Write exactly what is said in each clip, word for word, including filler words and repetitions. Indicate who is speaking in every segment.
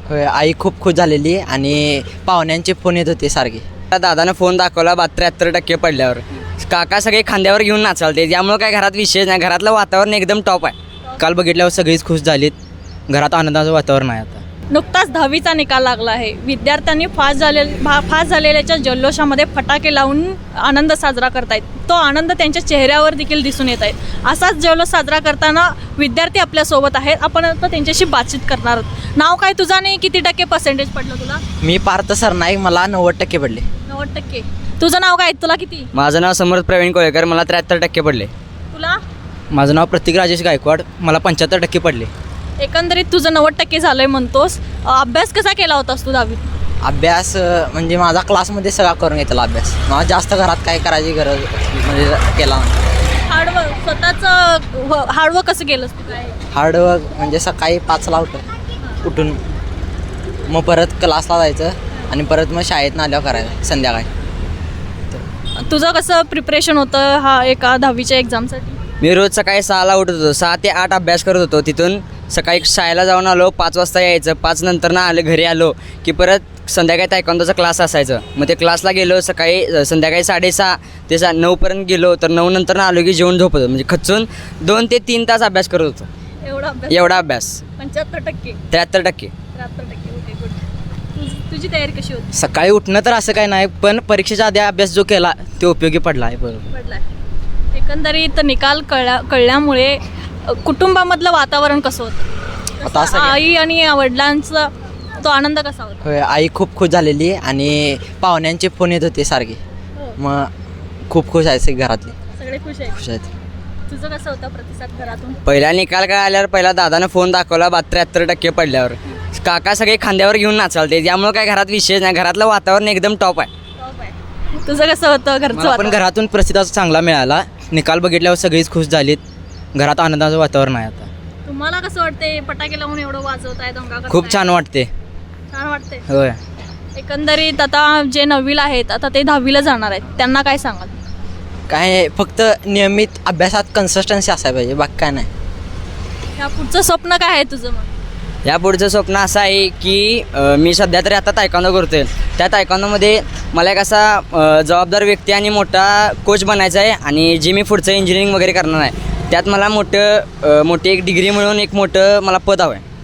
Speaker 1: होय, आई खूप खुश झालेली आणि पाहुण्यांचे फोन येत होते सारखे.
Speaker 2: दादानं फोन दाखवला बा त्र्याहत्तर टक्के पडल्यावर काका सगळे खांद्यावर घेऊन नाचालते, त्यामुळे काय घरात विशेष नाही, घरातलं वातावरण एकदम टॉप आहे.
Speaker 1: काल बघितल्यावर सगळीच खुश झालीत. घरात आनंदाचं वातावरण आहे. आता
Speaker 3: नुकताच दहावीचा निकाल लागला आहे. विद्यार्थ्यांनी फास झाले भा फास झालेल्याच्या जल्लोषामध्ये फटाके लावून आनंद साजरा करतायत. तो आनंद त्यांच्या चेहऱ्यावर देखील दिसून येत आहे. असाच जल्लोष साजरा करताना विद्यार्थी आपल्यासोबत आहेत. आपण आता त्यांच्याशी बातचीत करणार आहोत. नाव काय तुझं आणि किती टक्के पर्सेंटेज पडलं तुला?
Speaker 1: मी पार्थ सरनाईक, मला नव्वद टक्के पडले.
Speaker 3: नव्वद टक्के. तुझं नाव काय? तुला किती?
Speaker 2: माझं नाव समर्थ प्रवीण कोळेकर, मला त्र्याहत्तर टक्के पडले.
Speaker 3: तुला?
Speaker 1: माझं नाव प्रतीक राजेश गायकवाड, मला पंच्याहत्तर टक्के पडले.
Speaker 3: एकंदरीत तुझं नव्वद टक्के झालंय म्हणतोस. अभ्यास कसा केला होतास तू दहावीत?
Speaker 1: अभ्यास अं, म्हणजे माझा क्लासमध्ये सगळा करून घेतला अभ्यास. मला जास्त घरात काय करायची गरज म्हणजे केला नाही.
Speaker 3: हार्डवर्क स्वतःचं हार्डवर्क कसं केलंस तू? काय
Speaker 1: हार्डवर्क म्हणजे सकाळी पाचला उठ उठून मग परत क्लासला जायचं आणि परत मग शाळेतनं आल्यावर करायचं संध्याकाळी.
Speaker 3: तुझं कसं प्रिपरेशन होतं हा एका दहावीच्या एक्झामसाठी?
Speaker 2: मी रोज सकाळी सहाला उठत होतो, सहा ते आठ अभ्यास करत होतो. तिथून सकाळी शाळेला जाऊन आलो, पाच वाजता यायचं, पाच नंतर ना आलं घरी आलो की परत संध्याकाळी तायक्वांदोचा क्लास असायचं. मग ते क्लासला गेलो सकाळी संध्याकाळी साडेसहा ते सा नऊपर्यंत गेलो, तर नऊ नंतर ना आलो की जेवण झोपत होतो. म्हणजे खचून दोन ते तीन तास अभ्यास करत होतो.
Speaker 3: एवढा अभ्यास?
Speaker 2: एवढा अभ्यास.
Speaker 3: पंच्याहत्तर टक्के
Speaker 2: त्र्याहत्तर टक्के
Speaker 3: त्र्याहत्तर टक्के ओके गुड. तुझी तयारी कशी होती?
Speaker 1: सकाळी उठणं तर असं काही नाही, पण परीक्षेच्या आधी अभ्यास जो केला तो उपयोगी पडला आहे. बरोबर.
Speaker 3: पडलाय. एकंदरीत निकाल कळल्या कळल्यामुळे अ, कुटुंबामधलं वातावरण कसं होतं?
Speaker 1: आता असं
Speaker 3: कसं
Speaker 1: काय?
Speaker 3: आई आणि वडिलांचा तो आनंद कसा होता?
Speaker 1: होय, आई खूप खुश झालेली आणि पाहुण्यांचे फोन येत होते सारखे.
Speaker 3: हो.
Speaker 1: मग खूप खुश आहे सगळे घरातले,
Speaker 3: सगळे खुश आहेत.
Speaker 1: खुश आहेत.
Speaker 3: तुझं कसं होतं प्रतिसाद घरातून?
Speaker 2: पहिला निकाल काय आल्यावर पहिला दादानं फोन दाखवला बा त्र्याहत्तर टक्के पडल्यावर काका सगळे खांद्यावर घेऊन नाचालते, त्यामुळे काय घरात विशेष नाही, घरातलं वातावरण एकदम टॉप आहे.
Speaker 3: टॉप आहे. तुझं कसं होतं घरचं
Speaker 1: मला पण
Speaker 3: वातावरण?
Speaker 1: घरातून प्रतिसाद चांगला मिळाला. निकाल बघितल्यावर सगळीच खुश झालीत. घरात आनंदाचं वातावरण आहे. आता
Speaker 3: तुम्हाला कसं वाटते फटाके लावून एवढं वाजवताय, दंगा करताय?
Speaker 1: खूप छान वाटते.
Speaker 3: छान वाटते.
Speaker 1: होय,
Speaker 3: एकंदरीत आता जे नववीला आहेत आता ते दहावीला जाणार आहेत, त्यांना काय सांगाल?
Speaker 1: काय फक्त नियमित अभ्यासात कन्सिस्टन्सी असायला पाहिजे, बाकी काय नाही.
Speaker 3: या पुढचं स्वप्न काय आहे तुझं मग?
Speaker 2: या पुढचं स्वप्न असं आहे की अ, मी सध्या तरी आता तायक्वांदो करतोय. त्या तायक्वांदोमध्ये मला एक असा अ, जबाबदार व्यक्ती आणि मोठा कोच बनायचा आहे आणि जे मी पुढचं इंजिनिअरिंग वगैरे करणार आहे त्यात मला मोठं अ, मोठी एक डिग्री मिळून एक मोठं मला पद हवं आहे.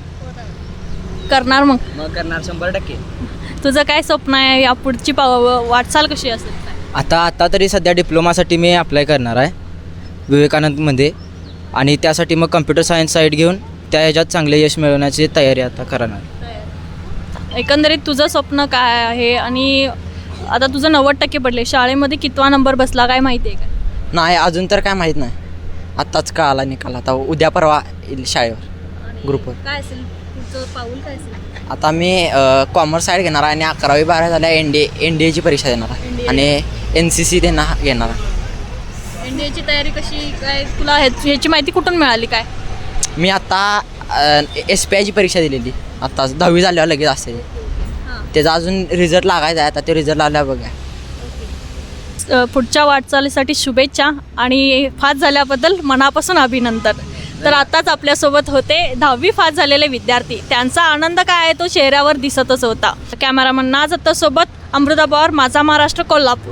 Speaker 3: करणार मग?
Speaker 2: मग करणार शंभर टक्के.
Speaker 3: तुझं काय स्वप्न आहे? या पुढची पाव वाटचाल कशी असेल?
Speaker 1: आता आता तरी सध्या डिप्लोमासाठी मी अप्लाय करणार आहे विवेकानंदमध्ये आणि त्यासाठी मग कम्प्युटर सायन्स साईड घेऊन त्या ह्याच्यात चांगले यश मिळवण्याची तयारी आता करणार.
Speaker 3: एकंदरीत तुझं स्वप्न काय आहे? आणि आता तुझं नव्वद टक्के पडले, शाळेमध्ये कितवा नंबर बसला काय माहिती आहे का?
Speaker 1: नाही, अजून तर काय माहीत नाही. आत्ताच कळाला निकाल. आता उद्या परवा येईल शाळेवर ग्रुपवर.
Speaker 3: काय असेल तुझं पाऊल काय असेल?
Speaker 1: आता मी कॉमर्स साईड घेणार आहे आणि अकरावी बारावी झाल्या एन डी एन डी एची परीक्षा देणार आहे
Speaker 3: एन डी ए.
Speaker 1: आणि एन सी सी देणार घेणार आहे.
Speaker 3: एन डी एची तयारी कशी काय? तुला ह्याच- ह्याची माहिती कुठून मिळाली काय?
Speaker 1: मी आता एस पी आयची परीक्षा दिलेली आत्ता दहावी झाल्यावर लगेच असते.
Speaker 3: हां.
Speaker 1: त्याचा अजून रिझल्ट लागायचा आहे. आता ते रिझल्ट आल्यावर बघा.
Speaker 3: अ, पुढच्या वाटचालीसाठी शुभेच्छा आणि फास झाल्याबद्दल मनापासून अभिनंदन. तर आताच आपल्यासोबत होते दहावी फास झालेले विद्यार्थी. त्यांचा आनंद काय आहे तो चेहऱ्यावर दिसतच होता. कॅमेरामन नाज सोबत अमृता पवार, माझा महाराष्ट्र, कोल्हापूर.